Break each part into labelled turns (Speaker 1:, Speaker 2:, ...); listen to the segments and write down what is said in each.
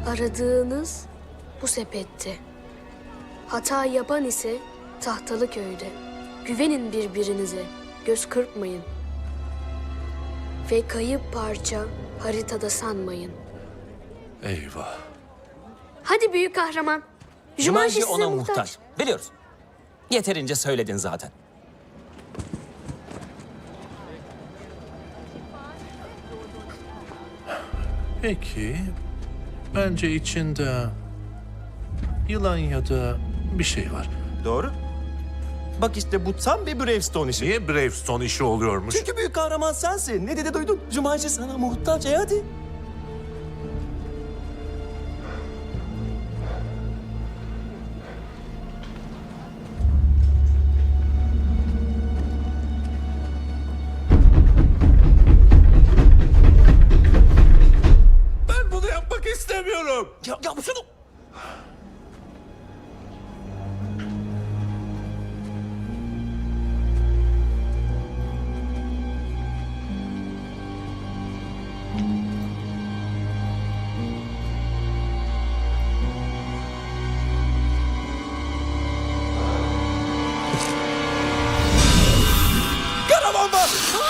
Speaker 1: Aradığınız bu sepette. Hata yapan ise tahtalı köyde. Güvenin birbirinize, göz kırpmayın. Ve kayıp parça haritada sanmayın.
Speaker 2: Eyvah.
Speaker 1: Hadi büyük kahraman.
Speaker 3: Jumanji
Speaker 1: size
Speaker 3: ona muhtaç. Biliyoruz. Yeterince söyledin zaten.
Speaker 2: Peki, bence içinde yılan ya da bir şey var.
Speaker 4: Doğru. Bak işte bu tam bir Bravestone işi.
Speaker 2: Niye Bravestone işi oluyormuş?
Speaker 4: Çünkü büyük kahraman sensin. Ne dedi duydun? Jumanji sana muhtaç. Hadi.
Speaker 2: Ben bunu yapmak istemiyorum.
Speaker 3: Ya şunu...
Speaker 4: Karaman var.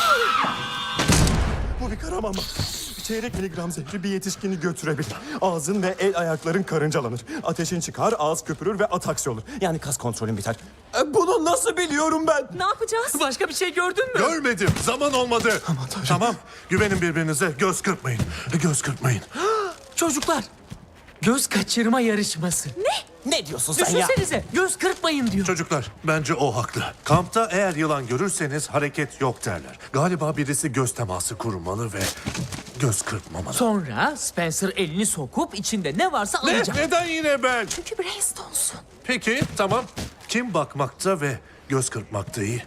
Speaker 4: Bu bir karaman var. Çeyrek miligram zehri bir yetişkini götürebilir. Ağzın ve el ayakların karıncalanır. Ateşin çıkar, ağız köpürür ve ataksi olur. Yani kas kontrolün biter. Bunu nasıl biliyorum ben?
Speaker 5: Ne yapacağız?
Speaker 3: Başka bir şey gördün mü?
Speaker 2: Görmedim, zaman olmadı. Tamam, güvenin birbirinize, göz kırpmayın. Göz kırpmayın.
Speaker 3: Çocuklar, göz kaçırma yarışması.
Speaker 4: Ne diyorsun sen ya?
Speaker 3: Düşünsenize, göz kırpmayın diyor.
Speaker 2: Çocuklar, bence o haklı. Kampta eğer yılan görürseniz hareket yok derler. Galiba birisi göz teması kurmalı ve göz kırpmamalı.
Speaker 3: Sonra Spencer elini sokup içinde ne varsa
Speaker 2: Ne?
Speaker 3: alacak.
Speaker 2: Neden yine ben?
Speaker 5: Çünkü Brainstorm'sun.
Speaker 2: Peki, tamam. Kim bakmakta ve göz kırpmakta iyi?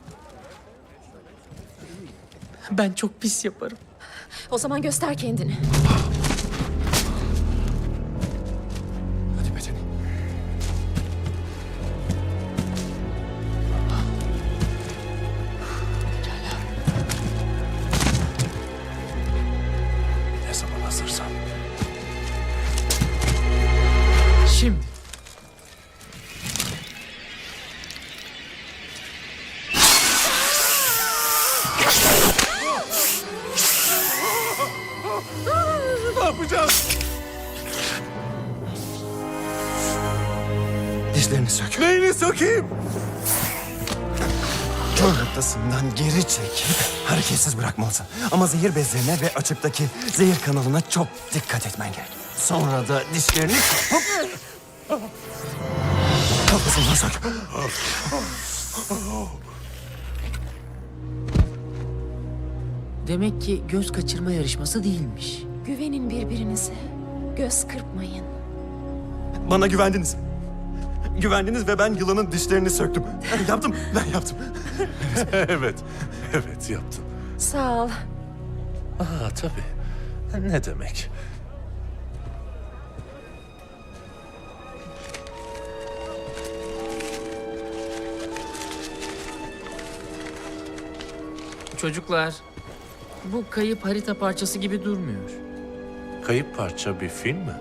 Speaker 3: Ben çok pis yaparım.
Speaker 5: O zaman göster kendini.
Speaker 4: Hadi Beten.
Speaker 2: Ne zaman hazırsan.
Speaker 3: Şimdi.
Speaker 2: Ne yapacağız?
Speaker 4: Dişlerini sök.
Speaker 2: Neyini sökeyim?
Speaker 4: Kör noktasından geri çekip hareketsiz bırakmalısın. Ama zehir bezlerine ve açıktaki zehir kanalına çok dikkat etmen gerek. Sonra da dişlerini kapıp... Kafasından sök.
Speaker 3: Demek ki göz kaçırma yarışması değilmiş.
Speaker 5: Güvenin birbirinize. Göz kırpmayın.
Speaker 4: Bana güvendiniz. Güvendiniz ve ben yılanın dişlerini söktüm. Yaptım, ben yaptım.
Speaker 2: Evet, evet yaptın.
Speaker 5: Sağ ol.
Speaker 2: Aa tabii. Ne demek?
Speaker 3: Çocuklar, bu kayıp harita parçası gibi durmuyor.
Speaker 2: Kayıp parça bir film mi?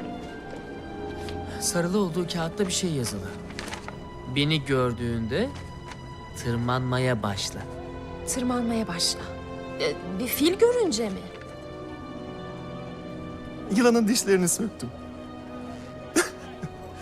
Speaker 3: Sarılı olduğu kağıtta bir şey yazılı. Beni gördüğünde tırmanmaya başla.
Speaker 5: Tırmanmaya başla. Bir fil görünce mi?
Speaker 4: Yılanın dişlerini söktüm.